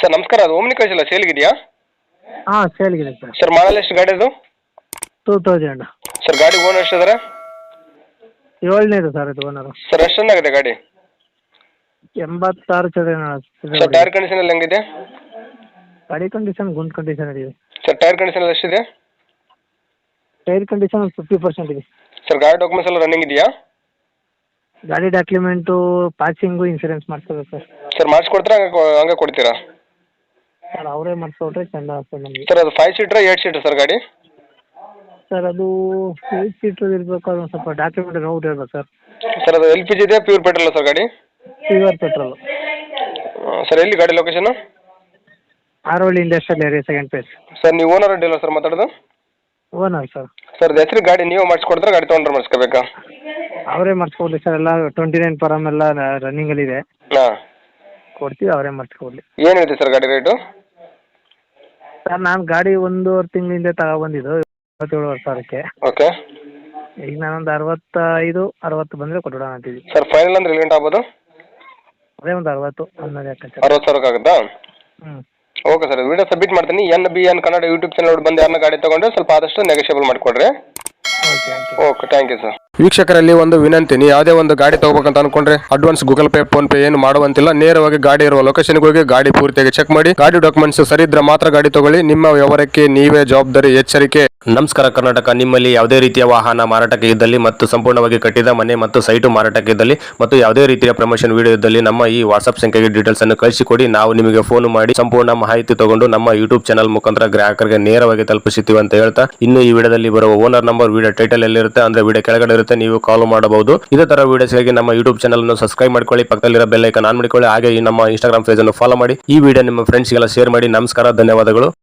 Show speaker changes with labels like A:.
A: Sir ನಮಸ್ಕಾರ, ಅದು Omni ಕಳಿಸಿಲ್ಲ ಸೇಲ್ಗಿದೆಯಾ?
B: ಹಾಂ ಸೇಲ್ಗಿದೆ ಸರ್.
A: ಸರ್ ಮಾಡಲ್ ಎಷ್ಟು ಗಾಡಿ ಅದು?
B: 2000.
A: ಸರ್ ಗಾಡಿ ಓನರ್ ಎಷ್ಟಿದ್ದಾರೆ?
B: 7ನೇದು ಸರ್ ಇದು ಓನರು.
A: ಸರ್ ಎಷ್ಟು ರನ್ ಆಗಿದೆ ಗಾಡಿ?
B: 86 ಚದರ.
A: ಸರ್ ಟೈರ್ ಕಂಡೀಷನ್ ಎಲ್ಲ ಹೆಂಗಿದೆ?
B: ಗಾಡಿ ಕಂಡೀಷನ್ ಗುಡ್ ಕಂಡೀಷನ್ ಇದೆ.
A: ಸರ್ ಟೈರ್ ಕಂಡೀಷನ್ ಎಲ್ಲ ಎಷ್ಟಿದೆ?
B: ಟೈರ್ ಕಂಡೀಷನ್ 50% ಇದೆ.
A: ಸರ್ ಗಾಡಿ ಡಾಕ್ಯುಮೆಂಟ್ಸ್ ಎಲ್ಲ ರನ್ನಿಂಗ್ ಇದೆಯಾ?
B: ಗಾಡಿ ಡಾಕ್ಯುಮೆಂಟು ಪಾಸಿಂಗು ಇನ್ಸೂರೆನ್ಸ್ ಮಾಡಿಸ್ಕೋಬೇಕು ಸರ್.
A: ಸರ್ ಮಾಡಿಸ್ಕೊಡ್ತೀರಾ ಹಂಗೆ ಕೊಡ್ತೀರಾ?
B: ಸರ್ ಅವರೇ ಮಾಡಿಸ್ಕೊಟ್ರೆ ಚೆಂದ ಆಗ್ತದೆ ನಮಗೆ.
A: ಸರ್ ಅದು 5 ಸೀಟ್ರಾ 8 ಸೀಟ್ರ್ ಸರ್ ಗಾಡಿ?
B: ಸರ್ ಅದು 8 ಸೀಟ್ರ್ ಇರಬೇಕು. ಅದೊಂದು ಸ್ವಲ್ಪ ಡಾಕ್ಯುಮೆಂಟ್ ನೋಡಿ ಹೇಳ್ಬೇಕು ಸರ್.
A: ಸರ್ ಅದು LPG ಇದೆ ಪ್ಯೂರ್ ಪೆಟ್ರೋಲ್ ಸರ್ ಗಾಡಿ?
B: Pure petrol.
A: ಸರ್ ಎಲ್ಲಿ ಗಾಡಿ ಲೊಕೇಶನ್?
B: ಆರೋಳಿ industrial area, second phase.
A: Sir ನೀವು ಓನರ್ ಅಡ್ಡಿಲ್ಲ ಸರ್ ಮಾತಾಡೋದು?
B: Owner sir.
A: ಸರ್ ಅದು ಹೆಸರು ಗಾಡಿ ನೀವು ಮಾಡಿಸ್ಕೊಡ್ತಾರೆ ಗಾಡಿ ತೊಗೊಂಡ್ರೆ ಮಾಡಿಸ್ಕೋಬೇಕಾ?
B: ಅವರೇ ಮಾಡಿಸ್ಕೊಡ್ಲಿ ಸರ್. ಎಲ್ಲ 29 ಪರಮ್ ಎಲ್ಲ ರನ್ನಿಂಗಲ್ಲಿದೆ.
A: ಹಾಂ
B: ಕೊಡ್ತೀವಿ, ಅವರೇ ಮಾಡಿಸ್ಕೊಡ್ಲಿ.
A: ಏನು ಹೇಳ್ತೀವಿ ಸರ್ ಗಾಡಿ ರೇಟು?
B: ಸರ್ ನಾನು ಗಾಡಿ 1.5 ತಿಂಗಳಿಂದ ತಗೊಬಂದಿದ್ದು 27,000ಕ್ಕೆ.
A: ಓಕೆ.
B: ಈಗ ನಾನೊಂದು 65-60 ಬಂದರೆ ಕೊಟ್ಬಿಡೋಣ ಅಂತಿದ್ವಿ.
A: ಸರ್ ಫೈನಲ್ ಅಂದ್ರೆ ಎಲ್ಲಿ ಆಗ್ಬೋದು?
B: ಅದೇ ಒಂದು 60 ಅನ್ನೋದು ಯಾಕೆ ಸರ್?
A: 60,000 ಆಗುತ್ತಾ?
B: ಹ್ಞೂ
A: ಓಕೆ ಸರ್, ವಿಡಿಯೋ ಸಬ್ಮಿಟ್ ಮಾಡ್ತೀನಿ. NBN ಕನ್ನಡ ಯೂಟ್ಯೂಬ್ ಚಾನಲ್ ಬಂದು ಯಾರನ್ನ ಗಾಡಿ ತೊಗೊಂಡ್ರೆ ಸ್ವಲ್ಪ ಆದಷ್ಟು ನೆಗೋಷಿಯಬಲ್ ಮಾಡಿಕೊಡ್ರಿ.
B: Okay
A: okay, thank you sir. ವೀಕ್ಷಕರಲ್ಲಿ ಒಂದು ವಿನಂತಿ, ನೀವು ಯಾವುದೇ ಒಂದು ಗಾಡಿ ತಗೋಬೇಕಂತ ಅನ್ಕೊಂಡ್ರೆ advance Google Pay PhonePe ಏನು ಮಾಡುವಂತಿಲ್ಲ. ನೇರವಾಗಿ ಗಾಡಿ ಇರುವ ಲೊಕೇಶನ್ಗೆ ಹೋಗಿ ಗಾಡಿ ಪೂರ್ತಿಯಾಗಿ ಚೆಕ್ ಮಾಡಿ, ಗಾಡಿ ಡಾಕ್ಯುಮೆಂಟ್ಸ್ ಸರಿ ಇದ್ರೆ ಮಾತ್ರ ಗಾಡಿ ತಗೊಳ್ಳಿ. ನಿಮ್ಮ ವ್ಯವಹಾರಕ್ಕೆ ನೀವೇ ಜವಾಬ್ದಾರಿ. ಎಚ್ಚರಿಕೆ.
C: ನಮಸ್ಕಾರ ಕರ್ನಾಟಕ. ನಿಮ್ಮಲ್ಲಿ ಯಾವುದೇ ರೀತಿಯ ವಾಹನ ಮಾರಾಟಕ್ಕೆ ಇದ್ದಲ್ಲಿ ಮತ್ತು ಸಂಪೂರ್ಣವಾಗಿ ಕಟ್ಟಿದ ಮನೆ ಮತ್ತು ಸೈಟು ಮಾರಾಟಕ್ಕೆ ಇದ್ದಲ್ಲಿ ಮತ್ತು ಯಾವುದೇ ರೀತಿಯ ಪ್ರಮೋಷನ್ ವಿಡಿಯೋ ಇದ್ದಲ್ಲಿ ನಮ್ಮ ಈ ವಾಟ್ಸ್ಆಪ್ ಸಂಖ್ಯೆಗೆ ಡೀಟೇಲ್ಸ್ ಅನ್ನು ಕಳಿಸಿಕೊಡಿ. ನಾವು ನಿಮಗೆ ಫೋನ್ ಮಾಡಿ ಸಂಪೂರ್ಣ ಮಾಹಿತಿ ತಗೊಂಡು ನಮ್ಮ ಯೂಟ್ಯೂಬ್ ಚಾನಲ್ ಮುಖಾಂತರ ಗ್ರಾಹಕರಿಗೆ ನೇರವಾಗಿ ತಲುಪಿಸುತ್ತೀವಿ ಅಂತ ಹೇಳ್ತಾ, ಇನ್ನು ಈ ವಿಡಿಯೋದಲ್ಲಿ ಬರುವ ಓನರ್ ನಂಬರ್ ವಿಡಿಯೋ ಟೈಟಲ್ ಎಲ್ಲಿರುತ್ತೆ ಅಂದ್ರೆ ವಿಡಿಯೋ ಕೆಳಗಡೆ ಇರುತ್ತೆ, ನೀವು ಕಾಲ್ ಮಾಡಬಹುದು. ಇದೇ ತರ ವಿಡಿಯೋಸ್ಗಾಗಿ ನಮ್ಮ ಯೂಟ್ಯೂಬ್ ಚಾನಲ್ ಅನ್ನು ಸಬ್ಸ್ಕ್ರೈಬ್ ಮಾಡ್ಕೊಳ್ಳಿ, ಪಕ್ಕದಲ್ಲಿರೋ ಬೆಲ್ ಐಕಾನ್ ಆನ್ ಮಾಡಿಕೊಳ್ಳಿ. ಹಾಗೆ ಈ ನಮ್ಮ ಇನ್ಸ್ಟಾಗ್ರಾಮ್ ಪೇಜ್ ಅನ್ನು ಫಾಲೋ ಮಾಡಿ. ಈ ವಿಡಿಯೋ ನಿಮ್ಮ ಫ್ರೆಂಡ್ಸ್ಗೆಲ್ಲ ಶೇರ್ ಮಾಡಿ. ನಮಸ್ಕಾರ, ಧನ್ಯವಾದಗಳು.